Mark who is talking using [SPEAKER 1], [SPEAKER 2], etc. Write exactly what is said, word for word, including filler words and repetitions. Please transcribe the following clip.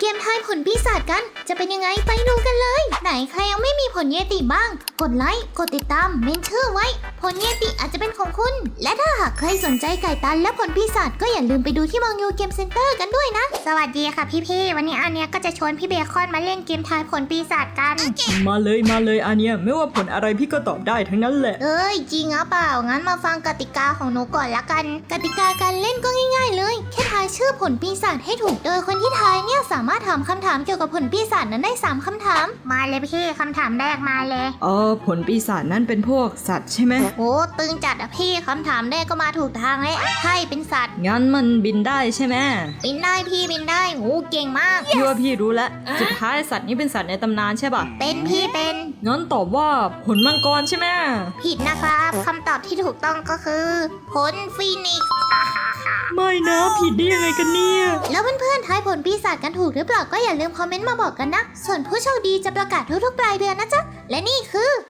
[SPEAKER 1] กมทายผลปีศาจกันจะเป็นยังไงไปดูกันเลยไหนใครยังไม่มีผลเยติบ้างกดไลค์กดติดตามเมนชื่อไว้ผลเยติอาจจะเป็นของคุณและถ้าหากใครสนใจไก่ตันและผลปีศาจก็อย่าลืมไปดูที่มองยูเกมเซ็นเตอร์กันด้วยนะสวัสดีค่ะพี่ๆวันนี้อันเนี้ยก็จะชวนพี่เบคอนมาเล่นเกมทายผลปีศาจกัน
[SPEAKER 2] มาเลยมาเลยอันเนี้ยไม่ว่าผลอะไรพี่ก็ตอบได้ทั้งนั้นแหละ
[SPEAKER 1] เอ้ยจริงหรือเปล่างั้นมาฟังกติกาของหนูก่อนละกันกติกาการเล่นก็ง่ายๆเลยแค่ทายชื่อผลปีศาจให้ถูกโดยคนที่ทายเนี่ยสามารถถามคำถามเกี่ยวกับผลปีศาจนั้นได้สามคำถามมาเลยพี่คำถามแรกมาเลย
[SPEAKER 2] เออผลปีศาจนั่นเป็นพวกสัตว์ใช่ไหม
[SPEAKER 1] โอ้ตึงจัดอะพี่คำถามแรกก็มาถูกทางแล้วใช่เป็นสัตว์
[SPEAKER 2] งั้นมันบินได้ใช่ไหม
[SPEAKER 1] บินได้พี่บินได้โอ้เก่งมาก
[SPEAKER 2] พี่ว่าพี่รู้แล้วสุดท้ายสัตว์นี้เป็นสัตว์ในตำนานใช่ป่ะ
[SPEAKER 1] เป็นพี่เป็น
[SPEAKER 2] งั้นตอบว่าผลมังกรใช่ไหม
[SPEAKER 1] ผิดนะครับคำตอบที่ถูกต้องก็คือผลฟีนิกซ์
[SPEAKER 2] ไม่นะผิดได้ยังไงกันเนี่ย
[SPEAKER 1] แล้วเพื่อนๆทายผลปีศาจกันถูกหรือเปล่าก็อย่าลืมคอมเมนต์มาบอกกันนะส่วนผู้โชคดีจะประกาศทุกๆปลายเดือนนะจ๊ะและนี่คือ